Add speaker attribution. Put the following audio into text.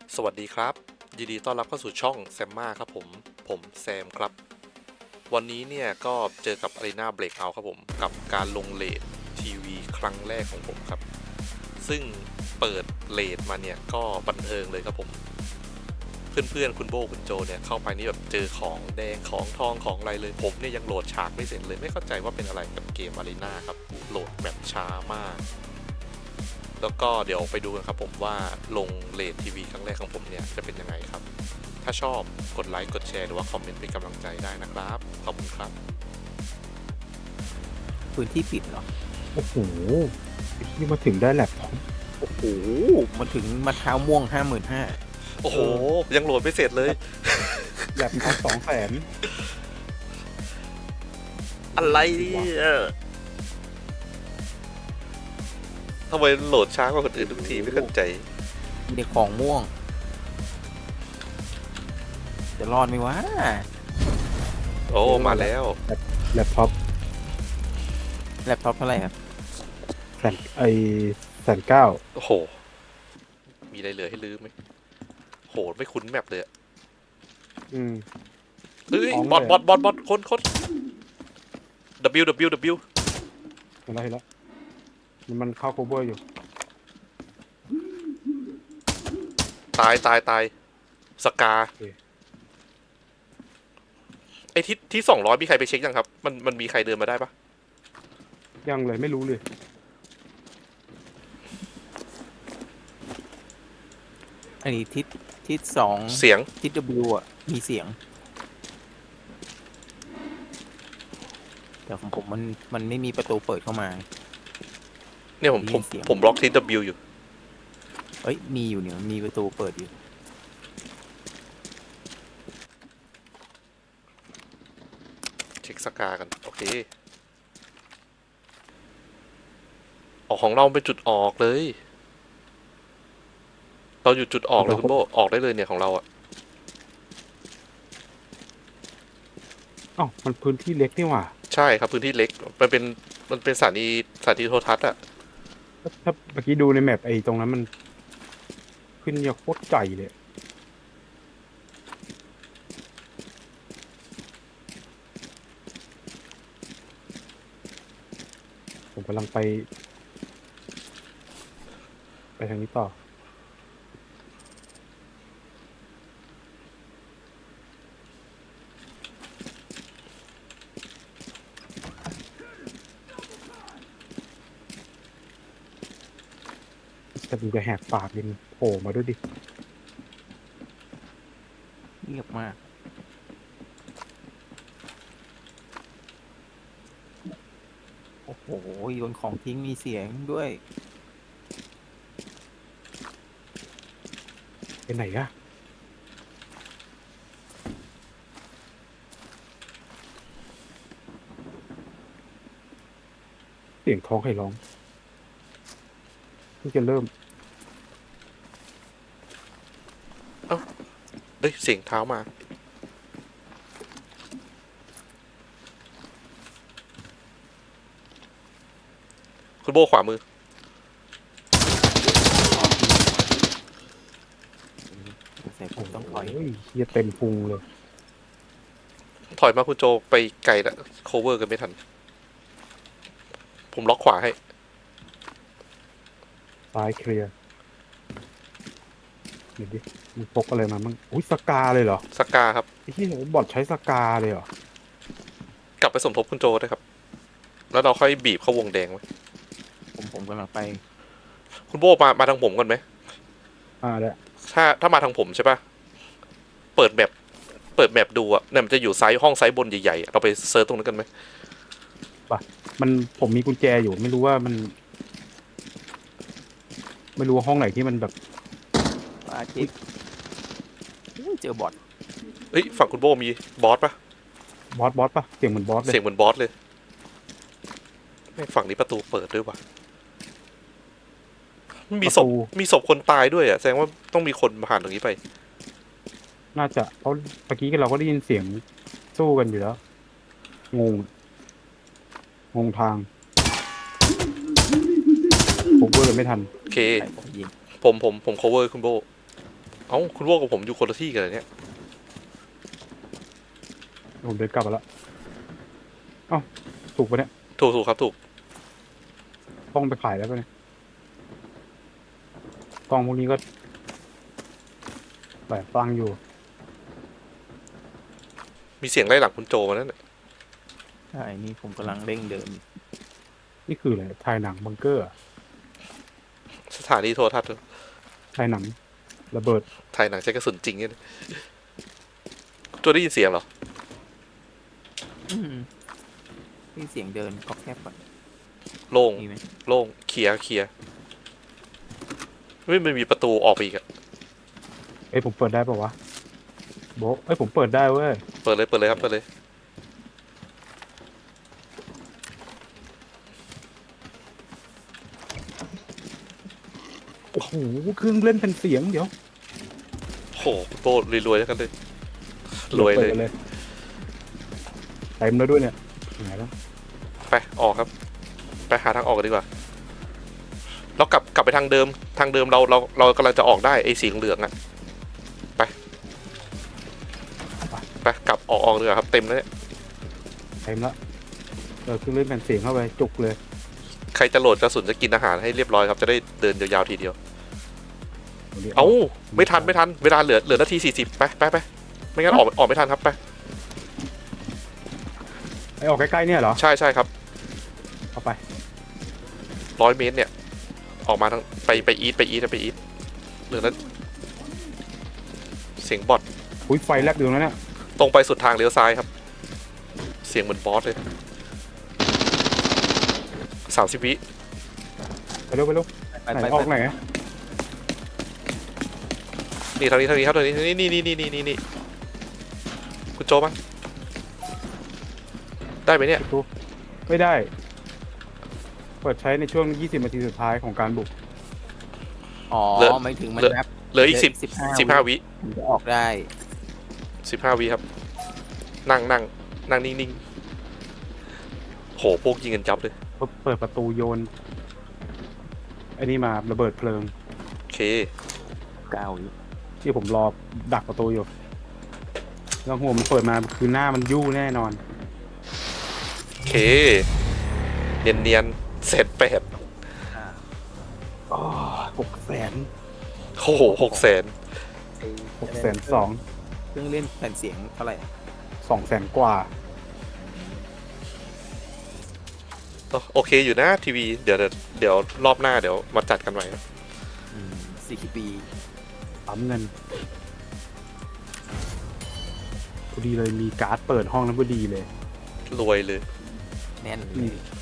Speaker 1: สวัสดีครับยินดีต้อนรับเข้าสู่ช่องแซมมาครับผมแซมครับวันนี้เนี่ยก็เจอกับ Arena Breakout ครับผมกับการลงเลททีวีครั้งแรกของผมครับซึ่งเปิดเลทมาเนี่ยก็บันเทิงเลยครับผมเพื่อนๆคุณโบคุณโจเนี่ยเข้าไปนี่แบบเจอของแดงของทองของอะไรเลยผมเนี่ยยังโหลดฉากไม่เสร็จเลยไม่เข้าใจว่าเป็นอะไรกับเกม Arena ครับโหลดแบบช้ามากแล้วก็เดี๋ยวไปดูกันครับผมว่าลงเลททีวีครั้งแรกของผมเนี่ยจะเป็นยังไงครับ ถ้าชอบกดไลค์กดแชร์หรือว่าคอมเมนต์เป็นกำลังใจได้นะครับ ขอบคุณครับ
Speaker 2: พื้นที่ปิดเหรอ
Speaker 3: โอ้โหที่มาถึงได้แล็ปท็อป
Speaker 2: โอ้โหมาถึงมาเท้าม่วง55,000
Speaker 1: โอ้โห ยังโหลดไม่เสร็จเลย
Speaker 3: แล็ปท็อป200,000
Speaker 1: อะไรเนี่ยทำไมโหลดช้ากว่าคนอื่นทุกทีไม่เข้าใจ
Speaker 2: มีแต่ของม่วง จะรอดไหมวะ
Speaker 1: โอ้ มาแล้ว
Speaker 3: แล็ปท็อป
Speaker 2: แล็ปท็อปเท่าไหร่ครับ
Speaker 3: 1,900,000
Speaker 1: โอ้โห มีอะไรเหลือให้ลืมไหมโห ไม่คุ้นแมปเลยอะ
Speaker 3: อืม
Speaker 1: เฮ้ย
Speaker 3: ของ
Speaker 1: บอท
Speaker 3: เลย
Speaker 1: บอทคน W
Speaker 3: เห็นแล้วมันเข้า cover อยู่
Speaker 1: ตายสกา
Speaker 3: โอเค
Speaker 1: ไอ้ที่200มีใครไปเช็คยังครับ มันมีใครเดินมาได้ปะ
Speaker 3: ยังเลยไม่รู้เลย
Speaker 2: อันนี้ทิศ2
Speaker 1: เสียง
Speaker 2: ทิศ W อ่ะ มีเสียง แต่ของผมมันไม่มีประตูเปิดเข้ามา
Speaker 1: เนี่ยผม
Speaker 2: ได้
Speaker 1: ผ
Speaker 2: ยิ
Speaker 1: ม
Speaker 2: นเสียง
Speaker 1: ผมบล็อกที่ W อยู่
Speaker 2: เอ้ย มีอยู่เนี่ย มีประตูเปิดอยู่
Speaker 1: เช็คสกากัน โอเคออกของเราเป็นจุดออกเลย เราอยู่จุดออกเลยคุณโบออกได้เลยเนี่ยของเราอะ
Speaker 3: อ้าวมันพื้นที่เล็กนี่หว่า
Speaker 1: ใช่ครับพื้นที่เล็กมันเป็นสถานีโทรทัศน์อะ
Speaker 3: ถ้าเมื่อกี้ดูในแมปไอ้ตรงนั้นมันขึ้นยาโคตรใจเลย ผมกำลังไปทางนี้ต่อ แต่มึงจะแหกปากยังโผล่มาด้วยดิ
Speaker 2: เงียบมาก โอ้โหโยนของทิ้งมีเสียงด้วย
Speaker 3: ไปไหนอะเสียงท้องใครร้องเพิ่งจะเริ่ม
Speaker 1: เฮ้ยเสียงเท้ามาคุณโบขวามือ
Speaker 2: เสียผมต้องถอย
Speaker 3: โอ้ยเฮียเต็มพุงเลย
Speaker 1: ถอยมาคุณโจไปไกลละโคเวอร์กันไม่ทัน ผมล็อกขวาให้
Speaker 3: ซ้ายเคลียร์เดี๋ยวดิมึงพกอะไรมามั่งอุ้ยสกาเลยเหรอ
Speaker 1: สกาครับ
Speaker 3: ไอ้ที่บอทใช้สกาเลยเหรอก
Speaker 1: ลับไปสมทบคุณโจได้วยครับ แล้วเราค่อยบีบเข้าวงแดงไว้
Speaker 2: ผมกำลังไป
Speaker 1: คุณโบมาทางผมก่อนไหม
Speaker 3: แล้ว
Speaker 1: ถ้ามาทางผมใช่ปะเปิดแมปดูอะเนี่ยมันจะอยู่ห้องซ้ายบนใหญ่ๆอะเราไปเซิร์ชตรงนั้นกันไหม
Speaker 3: มันผมมีกุญแจอยู่ไม่รู้ว่ามัน ไม่รู้ว่าห้องไหนที่มันแบบ
Speaker 2: อาทิตย์เจอบอท
Speaker 1: เฮ้ยฝั่งคุณโบมีบอสปะ
Speaker 3: บอสปะเสียงเหมือนบอสเลย
Speaker 1: เสียงเหมือนบอสเลยไม่ฝั่งนี้ประตูเปิดด้วยวะมีศพมีศพคนตายด้วยอะแสดงว่าต้องมีคนผ่านตรงนี้ไป
Speaker 3: น่าจะเพราะเมื่อกี้เราก็ได้ยินเสียงสู้กันอยู่แล้วงงทางผมเวอร์ไม่ทัน
Speaker 1: โอเค
Speaker 2: ใส่ผมยิง
Speaker 1: ผม cover คุณโบเอ้าคุณโว้กับผมอยู่คนละที่กันเลยเนี่ย
Speaker 3: ผมเดินกลับมาแล้วเอ้าถูกปะเนี่ย
Speaker 1: ถูกครับถูก
Speaker 3: ต้องไปขายแล้วปะเนี่ยกล้องพวกนี้ก็หลายตังค์อยู่
Speaker 1: มีเสียงไล่หลังคุณโจมานั่นน่ะ
Speaker 2: ใช่นี่ผมกำลังเร่งเดิน
Speaker 3: นี่คืออะไรถ่ายหนังบังเกอร์อะ
Speaker 1: สถานีโทรทัศน์
Speaker 3: ถ่ายหนังระเบิด
Speaker 1: ถ่ายหนังใช้กระสุนจริงเนี่ยคุณโจได้ยินเสียงเหรอ
Speaker 2: อืมนี่เสียงเดินก็แคบก่อน
Speaker 1: โล่ง
Speaker 2: มีไหม
Speaker 1: โล่งเคลียร์ไม่มันมีประตูออกไปอีกอะ
Speaker 3: เอ้ยผมเปิดได้ปะวะโบะเอ้ยผมเปิดได้เว้ย
Speaker 1: เปิดเลยครับเปิดเลย
Speaker 3: โอ้โหเครื่องเล่นเป็นเสียงเดี๋ยว
Speaker 1: โหโตรวยๆแล้วกันเลยรวยเลย
Speaker 3: ปิดเต็มแล้วด้วยเนี่ยไหนแล้ว
Speaker 1: ไปออกครับ ไปหาทางออกกันดีกว่าเรากลับไปทางเดิมเรากำลังจะออกได้ไอ้สีเหลืองอะไปกลับออกเลยครับเต็มแล้วเนี่ย
Speaker 3: เต็มแล้วเครื่องเล่นเป็นเสียงเข้าไปจุกเลย
Speaker 1: ใครจะโหลดกระสุนจะกินอาหารให้เรียบร้อยครับจะได้เดินยาวๆทีเดียว
Speaker 3: ดี๋ยว
Speaker 1: เอ้าไม่ทันเวลาเหลือนาที40ไปไม่งั้นออกไม่ทันครับไป
Speaker 3: ไอออกใกล้ๆเนี่ยเหรอ
Speaker 1: ใช่ครับ
Speaker 3: เอาไป
Speaker 1: 100 เมตรเนี่ยออกมาทางไปอีทเหลือนั้นเสียงบอท
Speaker 3: อุ้ยไฟแลบอยู่แล้วเนี่ย
Speaker 1: ตรงไปสุดทางเลี้ยวซ้ายครับ เสียงเหมือนบอสเลย30 วิ
Speaker 3: ไปเร็ว
Speaker 2: ไป
Speaker 3: ไหน
Speaker 2: ไป
Speaker 3: ออกไหนอะ
Speaker 1: นี่ทางนี้ครับทางนี้นี่คุณโจมั้ยได้ไหมเนี่ย
Speaker 3: ประตูไม่ได้ เปิดใช้ในช่วง 20 นาทีสุดท้ายของการบุก
Speaker 2: อ๋อไม่ถึงมันนับ
Speaker 1: เหลืออีก
Speaker 2: 15
Speaker 1: 15 วิ
Speaker 2: ถึงจะออกได้
Speaker 1: 15 วิครับนั่งนิ่งๆโหพวกยิงกันจับเลย
Speaker 3: เปิดประตูโยนไอ้นี่มาระเบิดเพลิง
Speaker 1: โอเค
Speaker 2: 9 วิ
Speaker 3: ที่ผมรอดักประตูอยู่แล้วหัวมันเปิดมาคือหน้ามันยู่แน่นอน
Speaker 1: โอเคเนียนเสร็จแปด
Speaker 3: อ๋อ600,000
Speaker 1: โอ้โห600,000
Speaker 3: 602,000
Speaker 2: เครื่องเล่นแผ่นเสียงเท่าไหร่
Speaker 3: 200,000 กว่า
Speaker 1: โอเคอยู่นะทีวีเดี๋ยวรอบหน้าเดี๋ยวมาจัดกันใหม่ครับ
Speaker 2: 40 ปี
Speaker 3: ปั๊มเงินพอดีเลยมีการ์ดเปิดห้องนั้นพอดีเลย
Speaker 1: รวยเลย
Speaker 2: แน่นเล
Speaker 3: อืม
Speaker 2: ย